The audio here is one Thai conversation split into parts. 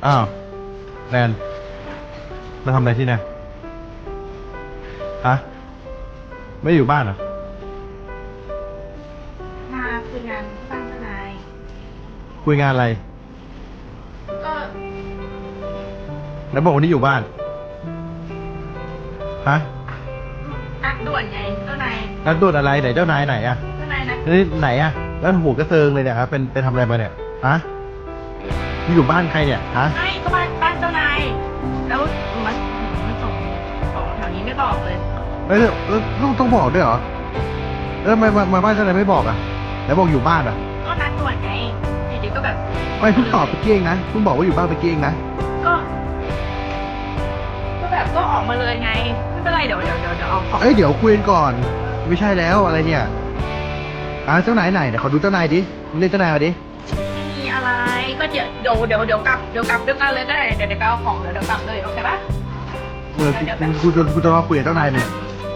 อ้าวแนนมาทำอะไรที่ไหนฮะไม่อยู่บ้านเหรอมาคุยงานบ้านทนายคุยงานอะไรก็แล้วบอกวันนี้อยู่บ้านฮะนัดด่วนไงเจ้านายนัดด่วนอะไรไหนเจ้านายไหนอะเจ้านายนะนี่ไหนอะแล้วหัวกระเซิงเลยเนี่ยครับเป็นทำอะไรมาเนี่ยฮะนี่อยู่บ้านใครเนี่ยฮะไม่ก็บ้านเจ้านายแล้วมันส่งของแถวนี้ไม่บอกเลยลูกต้องบอกด้วยเหรอมาบ้านเจ้านายไม่บอกอะแล้วบอกอยู่บ้านอะก็นัดด่วนไงดีๆก็แบบไม่เพิ่งตอบไปเกี้ยงนะเพิ่งบอกว่าอยู่บ้านไปเกี้ยงนะก็แบบก็ออกมาเลยไงไม่เป็นไรเดี๋ยวเอาของเดี๋ยวคุยกันก่อนไม่ใช่แล้วอะไรเนี่ยเจ้านายไหนเดี๋ยวขอดูเจ้านายดิเรียกเจ้านายมาดิไม่มีอะไรก็เดี๋ยวกลับด้วยกันเลยก็ได้เดี๋ยวเอาของเดี๋ยวกลับเลยโอเคปะกูจะมาคุยกับเจ้านายเนี่ย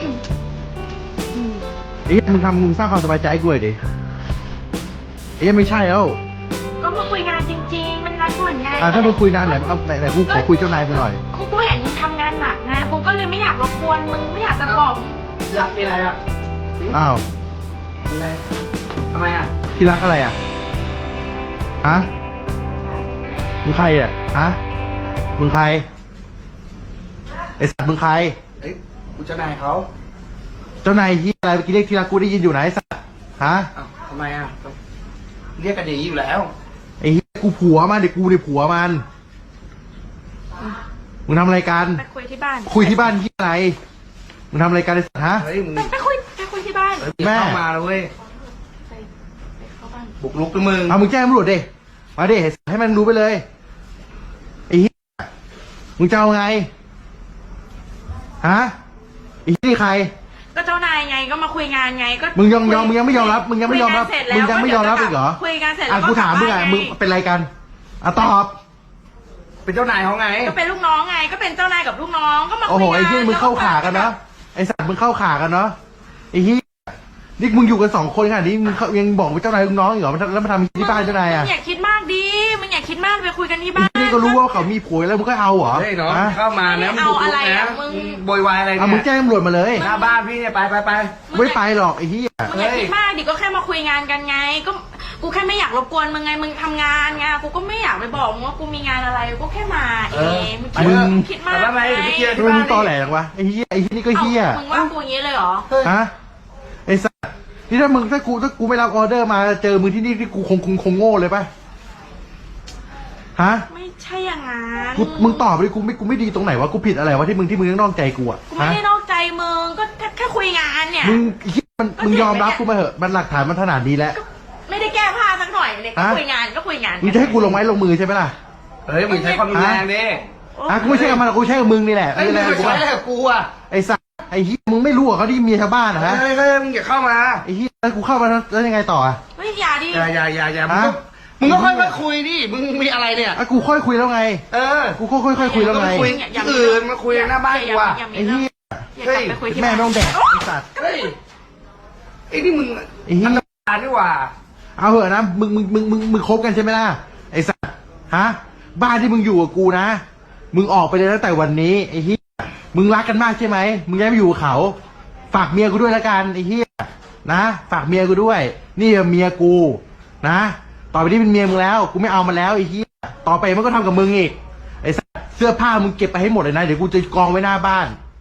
มึงสร้างความสบายใจให้กูเลยดิไม่ใช่แล้วก็มาคุยงานจริงๆมันนัดด่วนไงถ้ามึงคุยนานไหนกูขอคุยเจ้านายมึงหน่อยกูเห็นมึงทำงานหนักนะกูก็เลยไม่อยากรบกวนมึงไม่อยากจะบอกอยากมีอะไรอ่ะอ้าวอะไรทำไมอ่ะที่รักอะไรอ่ะฮะมึงใครอ่ะฮะมึงใครไอสัตว์มึงใครกูเจ้านายเขาเจ้านายที่อะไรเมื่อกี้เรียกที่รักกูได้ยินอยู่ไหนไอสัตว์ฮะทำไมอ่ะเรียกกันอย่างนี้อยู่แล้วไอ้กูผัวมันเด็กกูในผัวมันมึงทำอะไรกันไปคุยที่บ้านที่อะไรมึงทำอะไรกันไอ้สัตว์ฮะเฮ้ยมึงไปคุยที่บ้านแม่เข้ามาเลยเว้ยบุกลุกด้วยมึงมึงแจ้งตำรวจดิมาดิให้มันรู้ไปเลยไอ้เหี้ยมึงจะเอาไงฮะไอ้นี่ใครก็เจ้านายไงก็มาคุยงานไงก็มึงยังไม่ยอมรับมึงยังไม่ยอมรับอีกเหรอคุยงานเสร็จแล้วกูถามมึงมึงเป็นอะไรกันตอบเป็นเจ้านายเขาไงก็เป็นลูกน้องไงก็เป็นเจ้านายกับลูกน้องก็มาคุยงานโอ้โหไอ้ที่มึงเข้าขากันเนาะไอ้สัตว์มึงเข้าขากันเนาะไอ้ที่นี่มึงอยู่กัน2 คนขนาดนี้มึงยังบอกว่าเจ้านายลูกน้องอีกเหรอแล้วมาทำที่บ้านเจ้านายอ่ะมึงอย่าคิดมากดิมึงอย่าคิดมากไปคุยกันที่บ้านนี่ก็รู้ว่าเขามีผัวแล้วมึงก็เอาเหรอเฮ้ยน้องเข้ามานะมึงบุกลุกนะมึงโวยวายอะไรเนี่ยมึงแจ้งตำรวจมาเลยหน้าบ้านพี่เนี่ยไปไม่ไปหรอกไอ้ที่มึงอย่าคิดมากดิก็แค่มาคุยงานกันไงก็กูแค่ไม่อยากรบกวนมึงไงมึงทำงานไงกูก็ไม่อยากไปบอกมึงว่ากูมีงานอะไรกูแค่มามึงคิดมากทำไมมึงตอแหลหรอวะไอ้ที่นี่ก็เฮี้ยมึงว่ากูอย่างนี้เลยเหรอฮะไอ้สัสนี่ถ้ากูไม่รับออเดอร์มาเจอมึงที่นี่ที่กูคงโง่เลยป่ะฮะไม่ใช่อย่างนั้นมึงตอบไปกูไม่ดีตรงไหนวะกูผิดอะไรวะที่มึงนอกใจกูอ่ะกูไม่ได้นอกใจมึงก็แค่คุยงานเนี่ยมึงยอมรับกูมาเหอะมันหลักฐานมันขนาดนี้แล้วไม่ได้แก้ผ้าสักหน่อยเลยก็คุยงานมึงจะให้กูลงไม้ลงมือใช่ไหมล่ะเฮ้ยมึงใช้ความรุนแรงดิกูไม่ใช่กับมันกูใช้กับมึงนี่แหละไอ้มึงใช้อะไรกับกูอ่ะไอ้สัสไอ้ที่มึงไม่รู้เขาที่เมียชาวบ้านนะฮะเฮ้ยมึงอย่าเข้ามาไอ้ที่กูเข้ามาแล้วยังไงต่อไม่อย่าดิอย่ามึงก็ค่อยคุยดิมึงมีอะไรเนี่ยกูค่อยคุยแล้วไงกูค่อยคุยแล้วไงอื่นมาคุยหน้าบ้านกูอ่ะไอ้ที่แม่ไม่ต้องแดกไอ้สัตว์เฮ้ยไอ้นี่มึงไอ้ที่ทำงานดีกว่าเอาเหอะนะมึงคบกันใช่ไหมล่ะไอ้สัตว์ฮะบ้านที่มึงอยู่กับกูนะมึงออกไปเลยตั้งแต่วันนี้ไอ้ที่มึงรักกันมากใช่ไหมมึงย้ายไปอยู่กับเขาฝากเมียกูด้วยละกันไอ้เหี้ยนะฝากเมียกูด้วยนี่เมียกูนะต่อไปนี้เป็นเมียมึงแล้วกูไม่เอามันแล้วไอ้เหี้ยต่อไปมันก็ทำกับมึงอีกไอ้เสื้อผ้ามึงเก็บไปให้หมดเลยนะเดี๋ยวกูจะกองไว้หน้าบ้าน